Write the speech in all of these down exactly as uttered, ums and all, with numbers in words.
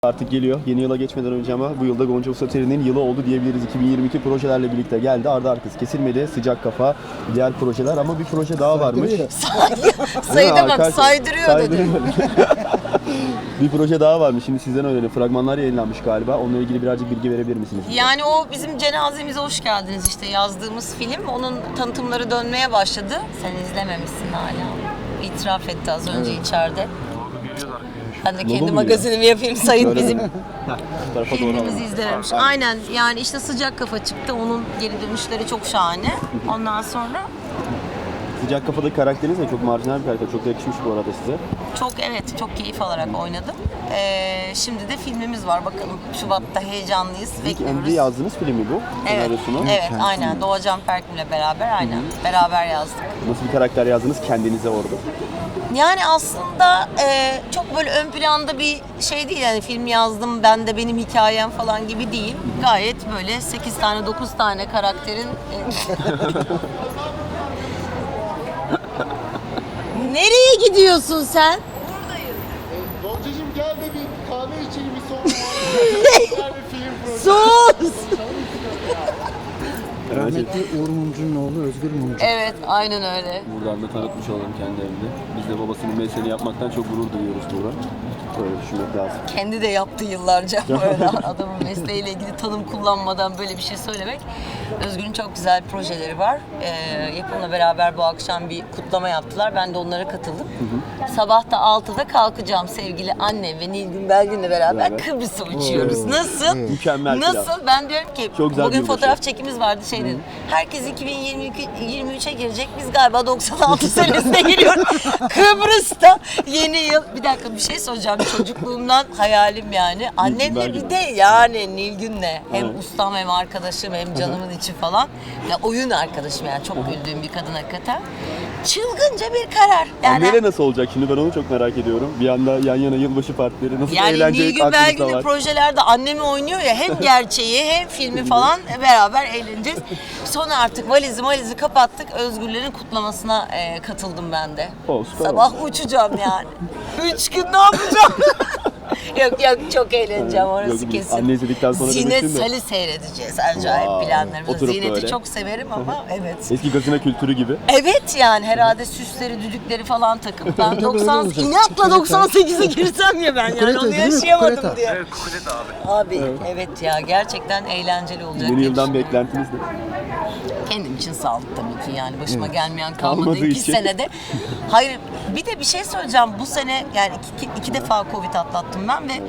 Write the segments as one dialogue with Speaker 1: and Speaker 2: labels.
Speaker 1: Artık geliyor. Yeni yıla geçmeden önce ama bu yılda Gonca Usateri'nin yılı oldu diyebiliriz. iki bin yirmi iki projelerle birlikte geldi. Ardı arkası kesilmedi. Sıcak kafa, diğer projeler ama bir proje daha varmış.
Speaker 2: Sayıda bak, saydırıyor dedi.
Speaker 1: Bir proje daha varmış. Şimdi sizden öğrenelim. Fragmanlar yayınlanmış galiba. Onunla ilgili birazcık bilgi verebilir misiniz?
Speaker 2: Yani o bizim cenazemize hoş geldiniz işte yazdığımız film. Onun tanıtımları dönmeye başladı. Sen izlememişsin hala. İtiraf etti az önce evet. içeride. Ben de kendi magazinimi yapayım. Sayın bizim filmimizi izlememiş. Aynen yani işte Sıcak Kafa çıktı. Onun geri dönüşleri çok şahane. Ondan sonra
Speaker 1: Sıcak Kafa'daki karakteriniz de çok marjinal bir karakter. Çok da yakışmış bu arada size.
Speaker 2: Çok evet, çok keyif alarak oynadım. Ee, şimdi de filmimiz var. Bakalım Şubat'ta heyecanlıyız.
Speaker 1: İlk
Speaker 2: bekliyoruz.
Speaker 1: Emre yazdığınız film mi bu?
Speaker 2: Evet, evet
Speaker 1: Kendisi
Speaker 2: aynen.
Speaker 1: mi?
Speaker 2: Doğacan Perkim'le beraber aynen. Hı-hı. Beraber yazdık.
Speaker 1: Nasıl bir karakter yazdınız kendinize orada?
Speaker 2: Yani aslında e, çok böyle ön planda bir şey değil yani film yazdım ben de benim hikayem falan gibi değil. Gayet böyle sekiz tane dokuz tane karakterin e... Nereye gidiyorsun sen?
Speaker 3: Buradayım. Goncacığım gel de bir kahve içelim bir son güzel bir film projesi.
Speaker 2: Sus!
Speaker 4: Rahmetli Uğur Mumcu'nun oğlu Özgür Mumcu.
Speaker 2: Evet, aynen öyle.
Speaker 1: Buradan da tanıtmış olalım kendilerini. Biz de babasının mesleğini yapmaktan çok gurur duyuyoruz Buğra. Böyle düşünmek lazım.
Speaker 2: Kendi de yaptı yıllarca böyle adamın mesleğiyle ilgili tanım kullanmadan böyle bir şey söylemek. Özgür'ün çok güzel projeleri var. Ee, yapımla beraber bu akşam bir kutlama yaptılar. Ben de onlara katıldım. Hı hı. Sabah da altıda kalkacağım sevgili annem ve Nilgün Belgün'le beraber evet. Kıbrıs'a uçuyoruz. Oo. Nasıl?
Speaker 1: Mükemmel.
Speaker 2: Nasıl? Plan. Ben diyorum ki
Speaker 1: çok güzel
Speaker 2: bugün fotoğraf çekimiz vardı şey dedim. Herkes iki bin yirmi üçe girecek. Biz galiba doksan altı senesine giriyoruz. Kıbrıs'ta yeni yıl. Bir dakika bir şey soracağım. Çocukluğumdan hayalim yani. Annemle bir de yani Nilgün'le hem evet. ustam hem arkadaşım hem canımın içi falan. Ya oyun arkadaşım yani çok güldüğüm bir kadın hakikaten. Çılgınca bir karar. Yani
Speaker 1: Anneyle nasıl olacak şimdi ben onu çok merak ediyorum. Bir anda yan yana yılbaşı partileri nasıl
Speaker 2: yani
Speaker 1: eğlencelik
Speaker 2: Nilgün
Speaker 1: aklınızda var.
Speaker 2: Belgün'ün projelerde annemi oynuyor ya hem gerçeği hem filmi falan beraber eğleneceğiz. Sonra artık valizi valizi kapattık. Özgürlerin kutlamasına e, katıldım ben de.
Speaker 1: Oh,
Speaker 2: sabah oldu. Uçacağım yani. Üç gün ne yapacağım? Yok yok çok eğleneceğim orası
Speaker 1: yok,
Speaker 2: kesin.
Speaker 1: Anne izledikten sonra
Speaker 2: Zinet Sal'i seyredeceğiz acayip wow. planlarımız.
Speaker 1: Oturup
Speaker 2: Zinet'i
Speaker 1: böyle.
Speaker 2: çok severim ama evet.
Speaker 1: Eski gazino kültürü gibi.
Speaker 2: Evet yani herhalde süsleri, düdükleri falan takıp ben doksan inatla doksan sekize girsem ya ben yani onu yaşayamadım diye.
Speaker 3: Evet, kukulet abi.
Speaker 2: Abi evet. evet ya gerçekten eğlenceli olacak.
Speaker 1: Yeni yıldan beklentiniz ne?
Speaker 2: Kendim için sağlık tabii ki yani başıma evet. gelmeyen kalmadı
Speaker 1: Kalmadığı
Speaker 2: iki
Speaker 1: için.
Speaker 2: senede. Hayır bir de bir şey söyleyeceğim bu sene yani iki, iki defa Covid atlattım ben ve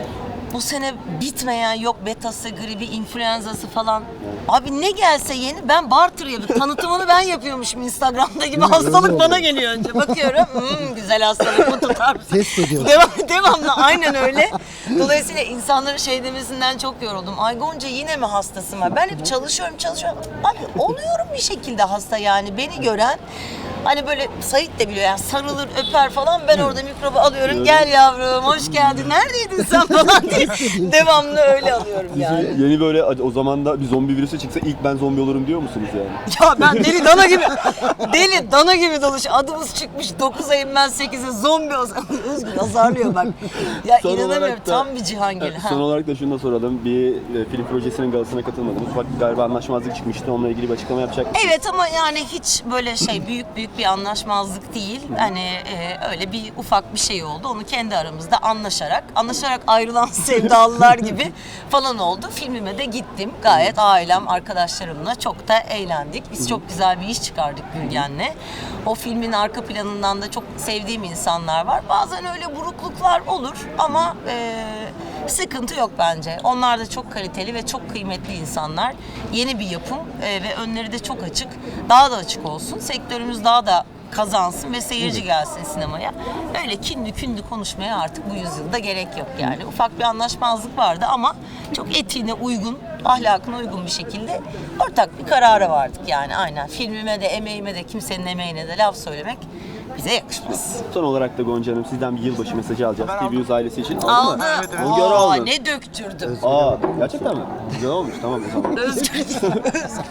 Speaker 2: bu sene bitmeyen yok betası, gribi, influenzası falan. Abi ne gelse yeni ben barter yapıyorum. Tanıtımını ben yapıyormuşum Instagram'da gibi. Hastalık bana geliyor önce. Bakıyorum hmm, güzel hastalık mı tutar mısın?
Speaker 4: Test ediyorsun.
Speaker 2: Devam, devamlı aynen öyle. Dolayısıyla insanların şey demesinden çok yoruldum. Ay Gonca yine mi hastasın var? Ben hep çalışıyorum çalışıyorum. Abi oluyorum bir şekilde hasta yani. Beni gören hani böyle Sait de biliyor yani sarılır öper falan ben orada mikrobu alıyorum gel yavrum hoş geldin neredeydin sen falan diye devamlı öyle alıyorum yani.
Speaker 1: Yeni böyle o zaman da bir zombi virüsü çıksa ilk ben zombi olurum diyor musunuz yani?
Speaker 2: Ya ben deli dana gibi deli dana gibi dolaş adımız çıkmış dokuz ayım ben sekize zombi olsam Özgür azarlıyor bak. Ya son inanamıyorum da, tam bir Cihangir.
Speaker 1: Son ha. olarak da şunu da soralım bir e, film projesinin galasına katılmadınız. Ufak galiba anlaşmazlık çıkmıştı onunla ilgili bir açıklama yapacak mısınız?
Speaker 2: Evet ama yani hiç böyle şey büyük büyük bir anlaşmazlık değil. Hani e, öyle bir ufak bir şey oldu. Onu kendi aramızda anlaşarak, anlaşarak ayrılan sevdalılar gibi falan oldu. Filmime de gittim. Gayet ailem, arkadaşlarımla çok da eğlendik. Biz çok güzel bir iş çıkardık Gülgen'le. O filmin arka planından da çok sevdiğim insanlar var. Bazen öyle burukluklar olur ama e, sıkıntı yok bence. Onlar da çok kaliteli ve çok kıymetli insanlar. Yeni bir yapım e, ve önleri de çok açık. Daha da açık olsun. Sektörümüz daha da kazansın ve seyirci gelsin sinemaya. Öyle kinli kündü konuşmaya artık bu yüzyılda gerek yok yani. Ufak bir anlaşmazlık vardı ama çok etiğine uygun, ahlakına uygun bir şekilde ortak bir karara vardık yani aynen. Filmime de, emeğime de, kimsenin emeğine de laf söylemek bize yakışmaz.
Speaker 1: Son olarak da Gonca Hanım sizden bir yılbaşı mesajı alacağız. T V Yüz ailesi için. Aldı
Speaker 2: Aldı.
Speaker 1: mı?
Speaker 2: Evet, evet.
Speaker 1: Aa,
Speaker 2: Aa, ne döktürdüm.
Speaker 1: Aa, gerçekten mi? Güzel olmuş tamam o zaman.
Speaker 2: Özgür.